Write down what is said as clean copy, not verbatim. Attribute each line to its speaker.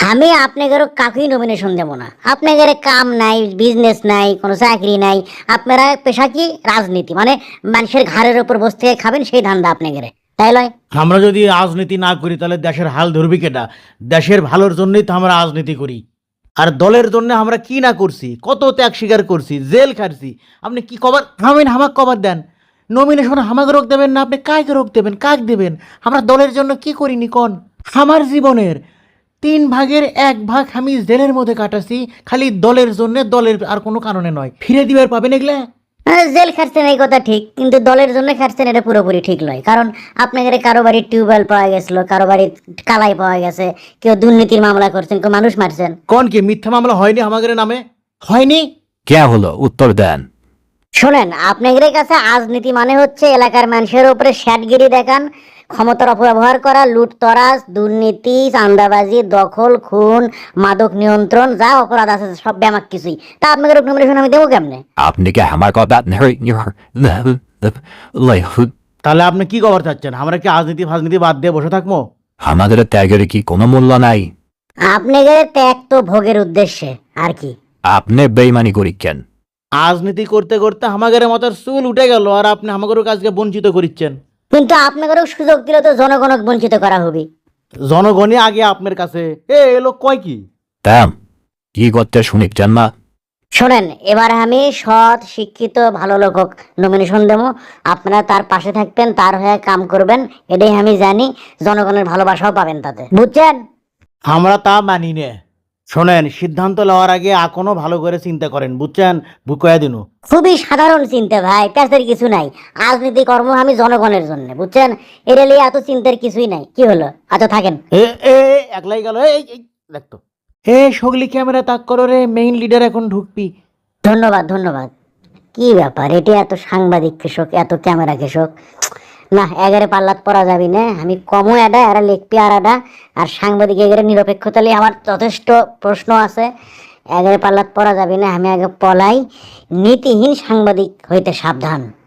Speaker 1: আমি আপনাদের কাকুই নমিনেশন দেবো না। আপনাদের কাম নাই, বিজনেস নাই, কোনো চাকরি নাই, আপনারা পেশা কি রাজনীতি, মানে মানুষের ঘাড়ের উপর বসে থেকে খাবেন, সেই ধান্দা আপনাদের, তাই লয়?
Speaker 2: আমরা যদি রাজনীতি না করি তাহলে দেশের হাল ধরবি কেটা? দেশের ভালোর জন্যই তো আমরা রাজনীতি করি। আর দলের জন্য আমরা কি না করছি, কত ত্যাগ স্বীকার করছি, জেল খাটছি। আপনি কি কবার থামেন, হামাক কবার দেন? নমিনেশন হামাকে রোগ দেবেন না, আপনি কাকে রোগ দেবেন, কাক দেবেন? আমরা দলের জন্য কি করিনি কন? আমার জীবনের 3/1 আমি জেলের মধ্যে কাটাছি খালি দলের জন্য, দলের আর কোনো কারণে নয়। ফিরে দিবার পাবেন এগুলা?
Speaker 1: জেল খাটছেন এই কথা ঠিক, কিন্তু দলের জন্য খাটছেন এটা পুরোপুরি ঠিক নয়। কারণ আপনাদের কারো বাড়ির টিউবওয়েল পাওয়া গেছিল, কারো বাড়ির কালাই পাওয়া গেছে, কেউ দুর্নীতির মামলা করছেন, কেউ মানুষ মারছেন।
Speaker 2: কোন কি মিথ্যা মামলা হয়নি আমাদের নামে? হয়নি?
Speaker 3: কে হলো উত্তর দেন।
Speaker 1: শোনেন, আপনাদের কাছে রাজনীতি মানে হচ্ছে এলাকার মানুষের উপরে শ্যাটগিরি দেখান, ক্ষমতার অপব্যবহার করা, লুটতরাজ, দুর্নীতি, চাঁদাবাজি, দখল, খুন, মাদক নিয়ন্ত্রণ, যা অপরাধ আছে সব ব্যামাক কিছুই। তা আপনাদের নমিনেশন আমি দেবো কেমনে?
Speaker 3: আপনি কি আমার কথা
Speaker 2: তাহলে আপনি কি খবর চাচ্ছেন? আমরা কি রাজনীতি ফাজনীতি বাদ দিয়ে বসে থাকবো?
Speaker 3: আমাদের ত্যাগের কি কোনো মূল্য নাই?
Speaker 1: আপনাদের ত্যাগ তো ভোগের উদ্দেশ্যে, আর কি।
Speaker 3: আপনি বেইমানি করি কেন?
Speaker 2: রাজনীতি করতে করতে আমাদের মাথার চুল উঠে গেল, আর আপনি আমাদের কাজকে বঞ্চিত করিচ্ছেন।
Speaker 1: কিন্তু আপনাদেরও সুযোগ দিলে তো জনগণক বঞ্চিত করা হবে।
Speaker 2: জনগণই আগে আপনার কাছে। এলো কয় কি?
Speaker 3: তাম কি করতে শুনিচ্ছেন মা?
Speaker 1: শোনেন, এবার আমি সৎ শিক্ষিত ভালো লোকক নমিনেশন দেবো, আপনারা তার পাশে থাকবেন, তার হয়ে কাম করবেন, এটাই আমি জানি। জনগণের ভালোবাসাও পাবেন তাতে, বুঝছেন?
Speaker 2: আমরা তা মানি নে। শোনেন, সিদ্ধান্ত নেওয়ার আগে এখনো ভালো করে চিন্তা করেন, বুঝছেন? বুকয়া দিনু
Speaker 1: খুবই সাধারণ চিন্তা ভাই, প্যাসের কিছু নাই। রাজনীতি কর্ম আমি জনগণের জন্য, বুঝছেন? এটা নিয়ে এত চিন্তার কিছুই নাই। কি হলো? আচ্ছা থাকেন।
Speaker 2: এ এ একলাই গেল। দেখতো সগলি ক্যামেরা তাক করো রে, মেইন লিডার এখন ঢুকবি।
Speaker 1: ধন্যবাদ ধন্যবাদ। কি ব্যাপার, এটি এত সাংবাদিক কৃষক, এত ক্যামেরা কৃষক? না, এগারে পাল্লাত পরা যাবি না। আমি কমও এডা, এরা লিখবি আর এডা। আর সাংবাদিক এগারে নিরপেক্ষতা নিয়ে আমার যথেষ্ট প্রশ্ন আছে। এগারে পাল্লাত পরা যাবি না, আমি আগে পলাই। নীতিহীন সাংবাদিক হইতে সাবধান।